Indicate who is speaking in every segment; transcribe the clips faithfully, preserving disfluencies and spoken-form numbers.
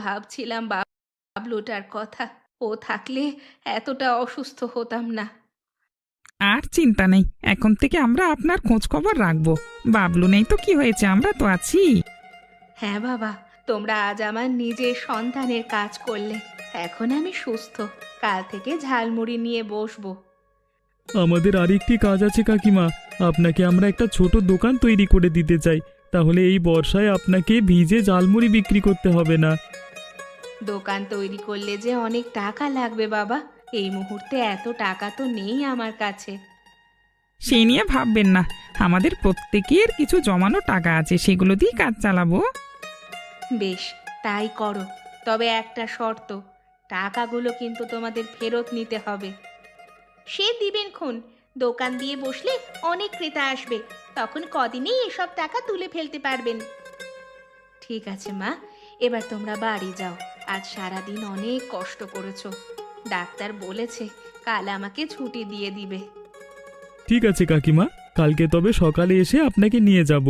Speaker 1: ভাবছিলাম বাবলুটার কথা, ও থাকলে এতটা অসুস্থ হতাম না।
Speaker 2: আর চিন্তা নেই, এখন থেকে আমরা আপনার খোঁজ খবর রাখবো। বাবলু নেই তো কি হয়েছে, আমরা তো আছি।
Speaker 1: হ্যাঁ বাবা, তোমরা আজ আমার নিজের সন্তানের কাজ করলে। এখন আমি সুস্থ, কাল থেকে ঝালমুড়ি নিয়ে বসবো।
Speaker 3: আমাদের আরেকটি কাজ আছে কাকিমা, আপনাকে আমরা একটা ছোট দোকান তৈরি করে দিতে চাই। তাহলে এই বর্ষায় আপনাকে ভিজে ঝালমুড়ি বিক্রি করতে হবে না।
Speaker 1: দোকান তৈরি করলে যে অনেক টাকা লাগবে বাবা, এই মুহূর্তে এত টাকা তো নেই আমার কাছে।
Speaker 2: সেই নিয়ে ভাববেন না, আমাদের প্রত্যেকের কিছু জমানো টাকা আছে, সেগুলো দিয়ে কাজ চালাবো।
Speaker 1: বেশ, তাই করো। তবে একটা শর্ত, টাকাগুলো কিন্তু তোমাদের ফেরত নিতে হবে। সে দিবেন খুন, দোকান দিয়ে বসলে অনেক ক্রেতা আসবে, তখন কদিনেই এসব টাকা তুলে ফেলতে পারবেন। ঠিক আছে মা, এবার তোমরা বাড়ি যাও। আজ সারাদিন অনেক কষ্ট করেছো। ডাক্তার বলেছে কাল আমাকে ছুটি দিয়ে দিবে।
Speaker 3: ঠিক আছে কাকিমা, কালকে তবে সকালে এসে আপনাকে নিয়ে যাব।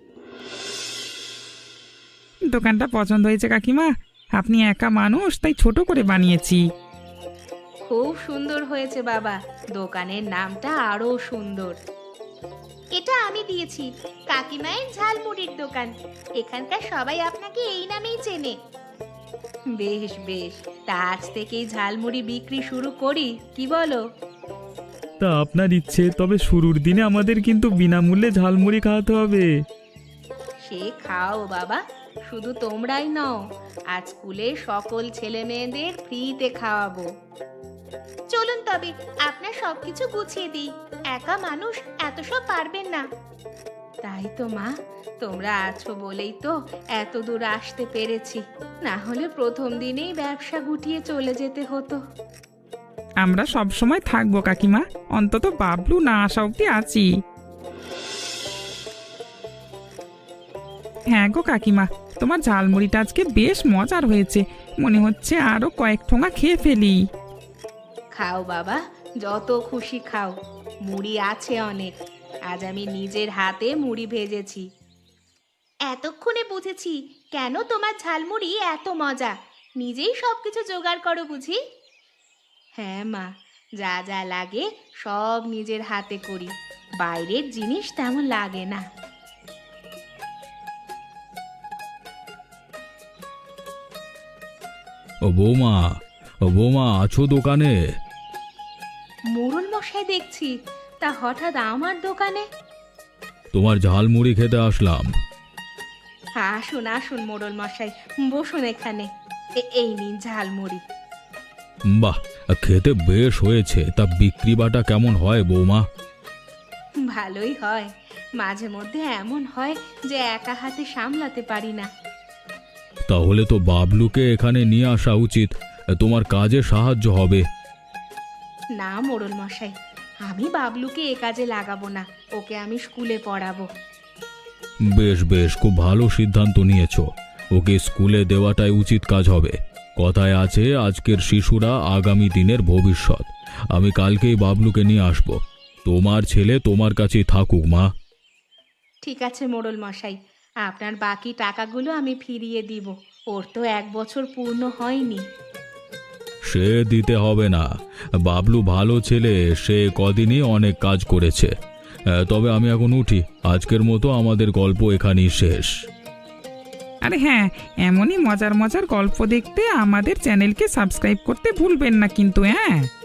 Speaker 2: দোকানটা পছন্দ হয়েছে কাকিমা? আপনি একা মানুষ, তাই ছোট করে বানিয়েছি।
Speaker 1: খুব সুন্দর হয়েছে বাবা, দোকানের নামটা আরো সুন্দর। এটা আমি দিয়েছি, কাকিমায়ের ঝালমুড়ির দোকান। এখানকার সবাই আপনাকে এই নামেই চেনে। বেশ বেশ, তা আজ থেকেই ঝালমুড়ি বিক্রি শুরু করি, কি বলো?
Speaker 3: তা আপনার ইচ্ছে, তবে শুরুর দিনে আমাদের কিন্তু বিনামূল্যে ঝালমুড়ি খাওয়াতে হবে।
Speaker 1: সে খাও বাবা, শুধু তোমরাই নও, আজ স্কুলে সকল ছেলে মেয়েদের ফ্রিতে খাওয়াবো। চলুন তবে আপনার সবকিছু গুছিয়ে দিই, একা মানুষ এত সব পারবেন না। তাই তো মা, তোমরা আছো বলেই তো এত দূর আসতে পেরেছি, না হলে প্রথম দিনেই ব্যবসা গুটিয়ে চলে যেতে হতো।
Speaker 2: আমরা সব সময় থাকবো কাকিমা, অন্তত বাবলু না আসা অব্দি আছি। হ্যাঁ গো কাকিমা, তোমার ঝালমুড়িটা আজকে বেশ মজার হয়েছে, মনে হচ্ছে আরো কয়েক ঠোঙা খেয়ে ফেলি।
Speaker 1: খাও বাবা, যত খুশি খাও, মুড়ি আছে অনেক। আজ আমি নিজের হাতে মুড়ি ভেজেছি। এতক্ষণে বুঝেছি কেন তোমার ঝালমুড়ি এত মজা, নিজেই সবকিছু জোগাড় করো বুঝি? হ্যাঁ মা, যা যা লাগে সব নিজের হাতে করি, বাইরের জিনিস তেমন লাগে না।
Speaker 3: ও বৌমা, ও বৌমা, আছো দোকানে?
Speaker 1: মোড়ল মশাই দেখছি, তা হঠাৎ আমার দোকানে?
Speaker 3: তোমার ঝালমুড়ি খেতে আসলাম।
Speaker 1: আসুন আসুন মোড়ল মশাই, বসুন এখানে। এ- এই নিন ঝালমুড়ি।
Speaker 3: বাহ, খেতে বেশ হয়েছে। তা বিক্রি বাটা কেমন হয় বৌমা?
Speaker 1: ভালোই হয়, মাঝে মধ্যে এমন হয় যে একা হাতে সামলাতে পারি না।
Speaker 3: তাহলে তো বাবলুকে এখানে নিয়ে আসা উচিত, তোমার কাজে সাহায্য হবে।
Speaker 1: না মোড়ল মশাই, আমি বাবলুকে এ কাজে লাগাবো না, ওকে আমি স্কুলে পড়াবো।
Speaker 3: বেশ বেশ, খুব ভালো সিদ্ধান্ত নিয়েছো। ওকে স্কুলে দেওয়াটাই উচিত কাজ হবে। কথায় আছে, আজকের শিশুরা আগামী দিনের ভবিষ্যৎ। আমি কালকেই বাবলুকে নিয়ে আসব। তোমার ছেলে তোমার কাছেই থাকুক মা।
Speaker 1: ঠিক আছে মোড়ল মশাই, আপনার বাকি টাকাগুলো আমি ফিরিয়ে দিব। ওর তো এক বছর পূর্ণ হয়নি।
Speaker 3: সে দিতে হবে না, বাবলু ভালো ছেলে, সে কদিনই অনেক কাজ করেছে। আহ, তবে আমি এখন উঠি, আজকের মতো আমাদের গল্প এখানেই শেষ।
Speaker 2: আরে হ্যাঁ, এমনই মজার মজার গল্প দেখতে আমাদের চ্যানেলকে সাবস্ক্রাইব করতে ভুলবেন না কিন্তু। হ্যাঁ।